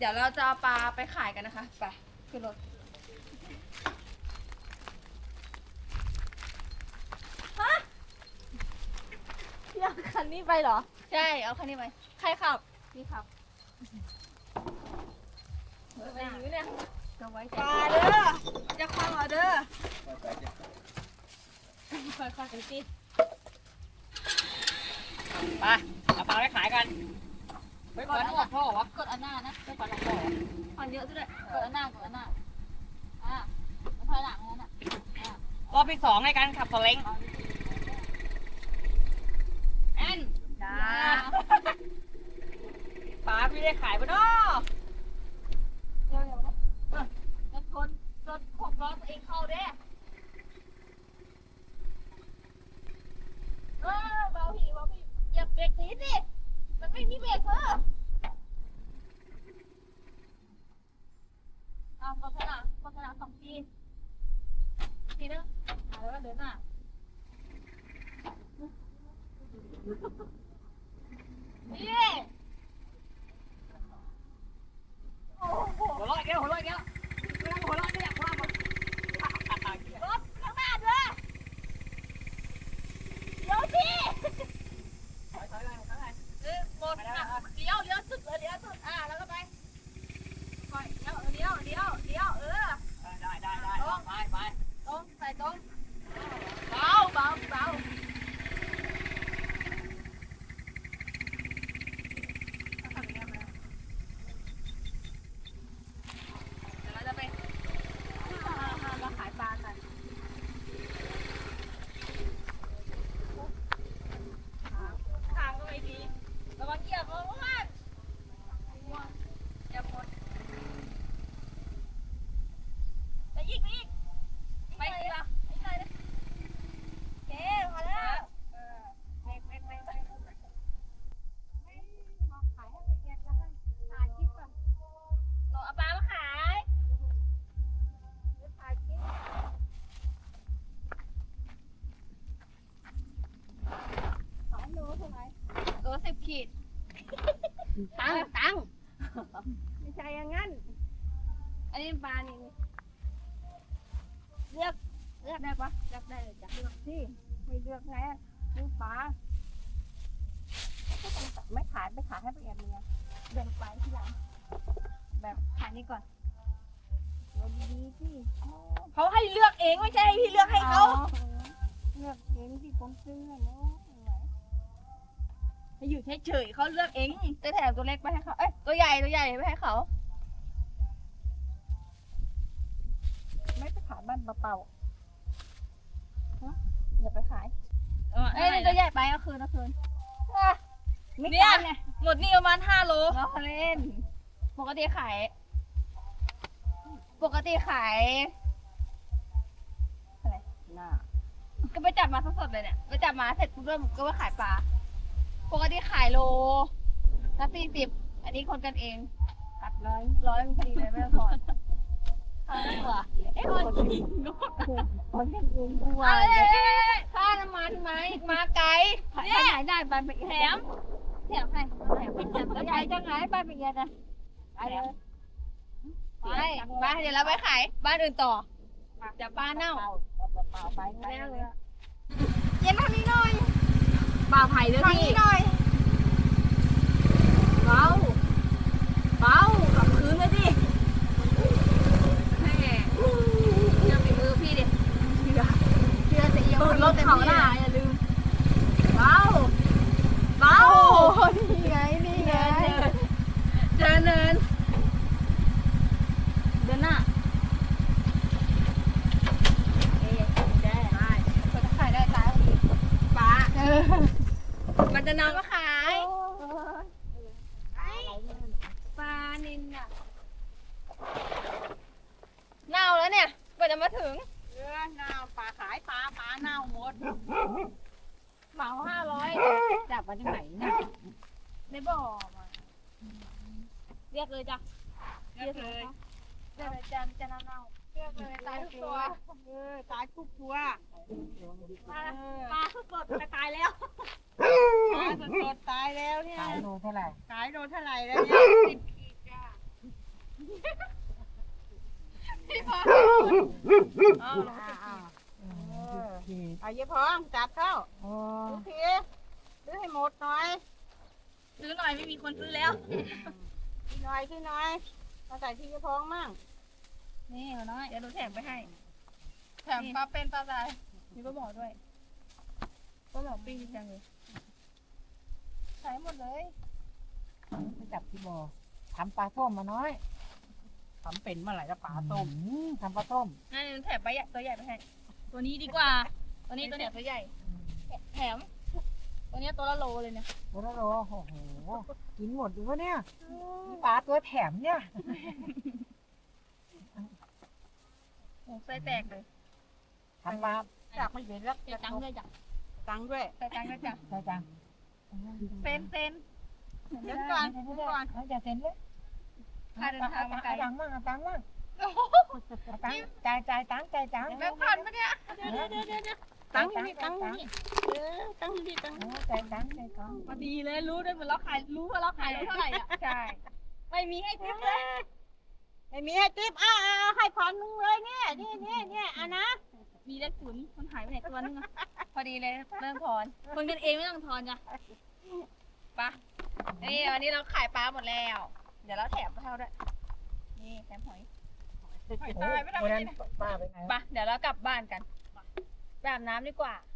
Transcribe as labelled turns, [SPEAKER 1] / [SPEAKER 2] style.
[SPEAKER 1] เดี๋ยวเราจะเอาปลาไปขายกันนะคะไปขึ้นรถฮะเอาคันนี้ไปเหรอใช่เอาคันนี้ไปใครขับนี่ขับไปยื้อเนี่ยจะไว้ปลาเด้อจะคว้าเอาเด้อค่อยๆกันสิ
[SPEAKER 2] ไปเอาปลาไปขายกันไปก่อนนะพ่อวะกดอันหน้านะไปก่อนหลังพ่อ
[SPEAKER 1] ผ่อนเยอะด้วย
[SPEAKER 2] กดอันหน้ากดอันหน้ามันถอยหลังแล้วน่ะรอบที่2ในการขับสเล้งแอน
[SPEAKER 1] จ้า
[SPEAKER 2] ปลาไม่ได้ขายปะเนาะ
[SPEAKER 1] เร็วๆนะคนรถ6 ล้อตัวเองเข้าเด้เบาหีอย่าเบรกนิดดิมันไม่มีเบรกเพิ่มโฆษณา2 ทีนึงแล้วก็เดินหน้านี่
[SPEAKER 2] หัวเราะแก้วหัวเราะแก้วหัวเราะเนี่ยหัวเราะ
[SPEAKER 1] รถข้างหน้าด้วยเดี๋ยวสิหมดเลี้ยวสุดเลยเลี้ยวสุดแล้วก็ไปเลี้ยวได้ไปตรงใส่ตรงเบาเดี๋ยวเราจะไปมาขายปลากันทางก็ไม่ดีระวังเหยียบระวังอย่าหมดไปอีกไปอีกละเก๋มาแล้วมาขายให้ไปเก็บแล้วกันถ่ายคลิปก่อนเราเอาปลามาขายถ่ายคลิปขายโลเท่าไหร่โล10 ขีดตังไม่ใช่อย่างงั้นอันนี้ปลานี่เลือกได้ปะเลือกได้เลยจ้ะเลือกสิไม่เลือกไงซื้อปลาไม่ขายไปขายให้ไปแอบเมียเดินไปที่หลังแบบขายนี่ก่อนดีที่เขาให้เลือกเองไม่ใช่ให้พี่เลือกให้เขาเลือกเองที่ผมซื้อเนาะให้อยู่เฉยๆเขาเลือกเองจะแถมตัวเล็กไปให้เขาตัวใหญ่ไปให้เขาไม่ไปขายบ้านเปล่าอย่าไปขายนี่ตัวใหญ่ไปก็คืนไม่เนี่ยหมดนี่ประมาณ5 โลเราเล่นปกติขายอะไรน่าก็ไปจับมาสดๆเลยเนี่ยไปจับมาเสร็จปุ๊บก็ไปขายปลาปกติขายโลละ40อันนี้คนกันเองตัดร้อยพอดีเลยไม่พอคนกันเองด้วยค่าน้ำมันไหมมาไกลเนี่ยได้ไปแถมให้แล้วยายจะไงไปเป็นยังไงไปเลยไปเดี๋ยวเราไปขายบ้านอื่นต่อจะปลาเน่าไปแล้วเลยเย็นทางนี้หน่อยปลาไผ่ด้วยพี่หน่อยเบากับพื้นเลยดิแม่เชื่อฝีมือพี่ดิเชื่อจะเอียงรถเขาหน้าอย่าลืมเบานี่ไงเจอเนินเดินหน้าได้คนจะขายได้ตายปลามันจะนำมาขายปลานิลน่ะเน่าแล้วเนี่ยกว่าจะมาถึง
[SPEAKER 2] เน่าปลาขายปลาเน่าหมด
[SPEAKER 1] เหมา500
[SPEAKER 2] จับมาจากไหนเนี่ย
[SPEAKER 1] ในบ่อมาเรียกเลยจ้ะ
[SPEAKER 2] เรียกเลย
[SPEAKER 1] จะเน่าเรียกเลยตายทุกตัว
[SPEAKER 2] ตายทุกตัว
[SPEAKER 1] ปลาสดตายแล้ว
[SPEAKER 2] ปลาสดตายแล้วเนี่ย
[SPEAKER 3] ขายโลเท่าไหร่
[SPEAKER 2] แล้วเนี่ย10 ขีดจ้า
[SPEAKER 1] พอเอา
[SPEAKER 3] เอาเยอะพองจับเข้าดูทีซื้อให้หมดหน่อย
[SPEAKER 1] ซื้อหน่อยไม่มีคนซื้อแล้ว
[SPEAKER 3] ที่หน่อยมาใส่ที่เยอะพองมั่ง
[SPEAKER 1] นี่หัวน้อยเดี๋ยวหนูแถมไปให้แถมปลาเป็นปลาตายมีปลาหมอด้วยปลาหมอปิ้งจังเลยใช้หมดเลย
[SPEAKER 4] ไปจับที่บ่อทำปลาส้มมาน้อย
[SPEAKER 3] ทำเป็นเมื่อไหร่จะปลาต้ม
[SPEAKER 4] ทำปลาส้ม
[SPEAKER 1] นั่นแถมไปใหญ่ตัวใหญ่ไปให้ตัวนี้ดีกว่า ตัวนี้ตัวเนี้ยตัวใหญ่แถมตัวเนี้ยตัวละโลเลยเนี่ย
[SPEAKER 4] โอ้โหโอ้โหกินหมดดูวะเนี่ยปลาตัวแถมเนี่ย
[SPEAKER 1] โอ้ไส้แตกเลย
[SPEAKER 4] ทำปลา
[SPEAKER 3] จากไม่เป็นแล้ว
[SPEAKER 1] ใส่ตังค์ด้วยจ้ะ
[SPEAKER 3] ตังค์ด้วย
[SPEAKER 1] ใส่ตังค์ด้วยจ้ะ
[SPEAKER 4] ใช่จัง
[SPEAKER 1] เซ็น
[SPEAKER 3] เดี๋ยวก่อน
[SPEAKER 4] เอาจะเซ็นเลย
[SPEAKER 1] ค่าเดินทางมาไกล
[SPEAKER 4] ตังค์มั่งเอาตังค์มั่งจ่ายตังค์
[SPEAKER 1] แบงค์พันปะเนี่ย
[SPEAKER 3] ตังค์นี่ตังค์นี่ตังค์นี่ตังค์
[SPEAKER 4] จ่ายตังค์
[SPEAKER 1] พอดีเลยรู้ด้วยเหมือนเราขายรู้ว่าเราขายเท่าไหร่อ่ะใช่ไม่มีให้ทิปเลย
[SPEAKER 3] ไม่มีให้ติ๊บให้ผ่อนมึงเลยเนี่ยนี่อ่ะนะ
[SPEAKER 1] มีเลขศูนย์มันหายไปไหนตัวนึงอะพอดีเลยเริ่มทอนคนกันเองไม่ต้องทอนจ้ะปะนี่วันนี้เราขายปลาหมดแล้ว เดี๋ยวเราแถมปลาเท่าด้วยนี่แถมหอยหอยตายไม่ทำอะไรนะ
[SPEAKER 4] ป้าไปไหน
[SPEAKER 1] ปะเดี๋ยวเรากลับบ้านกันไปอาบน้ำดีกว่า